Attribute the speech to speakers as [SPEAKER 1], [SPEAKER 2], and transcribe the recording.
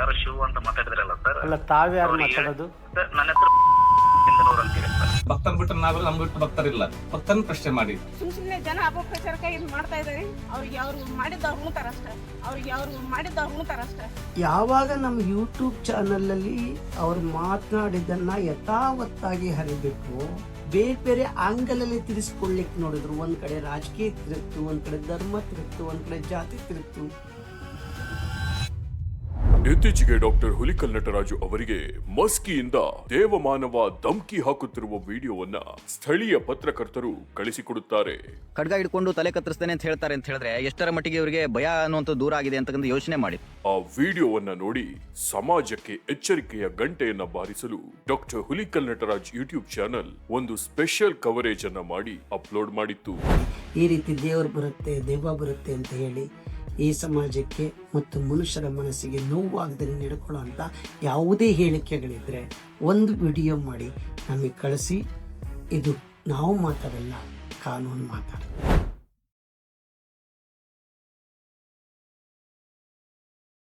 [SPEAKER 1] ಯಾರು ಶಿವ ಅಂತ ಮಾತಾಡಿದ್ರಲ್ಲ ಸರ್.
[SPEAKER 2] ಅಲ್ಲ, ತಾವ್ಯಾರು ಮಾತಾಡೋದು?
[SPEAKER 1] ಸರ್, ನನ್ನ ಹೆಸರು ಇಂದನೂರು ಅಂತೀವಿ ಸರ್.
[SPEAKER 3] ಭಕ್ತನ್ ಬಿಟ್ಟು ನಾವೆಲ್ಲ ನಮ್ ಬಿಟ್ಟು ಭಕ್ತರಿಲ್ಲ. ಭಕ್ತನ್ ಪ್ರಶ್ನೆ ಮಾಡಿ
[SPEAKER 4] ಸುಮ್ಮನೆ ಜನ ಅಪಪ್ರಚಾರಕ ಇದು ಮಾಡ್ತಾ ಇದ್ದಾರೆ. ಅವ್ರಿಗೆ ಅವ್ರು ಮಾಡಿದ್ದವ್ರು ಉಣ್ತಾರಷ್ಟೇ.
[SPEAKER 5] ಯಾವಾಗ ನಮ್ಮ ಯೂಟ್ಯೂಬ್ ಚಾನಲ್ ಅಲ್ಲಿ ಅವ್ರು ಮಾತನಾಡಿದ್ದನ್ನ ಯಥಾವತ್ತಾಗಿ ಹರಿಬೇಕು, ಬೇರೆ ಬೇರೆ ಆಂಗಲ್ ಅಲ್ಲಿ ತಿರ್ಸ್ಕೊಳ್ಳಿಕ್ ನೋಡಿದ್ರು. ಒಂದ್ ಕಡೆ ರಾಜಕೀಯ ತಿರುಗ್ತು, ಒಂದ್ ಕಡೆ ಧರ್ಮ ತಿರುಗ್ತು, ಒಂದ್ ಕಡೆ ಜಾತಿ ತಿರುಗ್ತು.
[SPEAKER 6] ಇತ್ತೀಚೆಗೆ ಡಾಕ್ಟರ್ ಹುಲಿಕಲ್ ನಟರಾಜು ಅವರಿಗೆ ಮಸ್ಕಿಯಿಂದ ದೇವಮಾನವ ಧಮ್ಕಿ ಹಾಕುತ್ತಿರುವ ವಿಡಿಯೋವನ್ನ ಸ್ಥಳೀಯ ಪತ್ರಕರ್ತರು ಕಳಿಸಿಕೊಡುತ್ತಾರೆ.
[SPEAKER 7] ಖಡ್ಗ ಹಿಡ್ಕೊಂಡು ತಲೆ ಕತ್ತರಿಸ್ತೇನೆ ಅಂತ ಹೇಳ್ತಾರೆ ಅಂತ ಹೇಳಿದ್ರೆ ಎಷ್ಟರ ಮಟ್ಟಿಗೆ ಇವರಿಗೆ ಭಯ ಅನ್ನುವಂಥ ದೂರ ಆಗಿದೆ ಅಂತಕ್ಕಂಥ ಯೋಚನೆ ಮಾಡಿ.
[SPEAKER 6] ಆ ವಿಡಿಯೋವನ್ನ ನೋಡಿ ಸಮಾಜಕ್ಕೆ ಎಚ್ಚರಿಕೆಯ ಗಂಟೆಯನ್ನ ಬಾರಿಸಲು doctor Hulikal Nataraj YouTube channel ಒಂದು ಸ್ಪೆಷಲ್ ಕವರೇಜ್ ಅನ್ನ ಮಾಡಿ ಅಪ್ಲೋಡ್ ಮಾಡಿತ್ತು.
[SPEAKER 5] ಈ ರೀತಿ ದೇವರು ಬರುತ್ತೆ, ದೆವ್ವ ಬರುತ್ತೆ ಅಂತ ಹೇಳಿ ಈ ಸಮಾಜಕ್ಕೆ ಮತ್ತು ಮನುಷ್ಯರ ಮನಸ್ಸಿಗೆ ನೋವಾಗದಲ್ಲಿ ನಡ್ಕೊಳ್ಳುವಂಥ ಯಾವುದೇ ಹೇಳಿಕೆಗಳಿದ್ರೆ ಒಂದು ವಿಡಿಯೋ ಮಾಡಿ ನಮಗೆ ಕಳಿಸಿ. ಇದು ನಾವು ಮಾತಾಡಲ್ಲ, ಕಾನೂನು ಮಾತಾಡಲ್ಲ.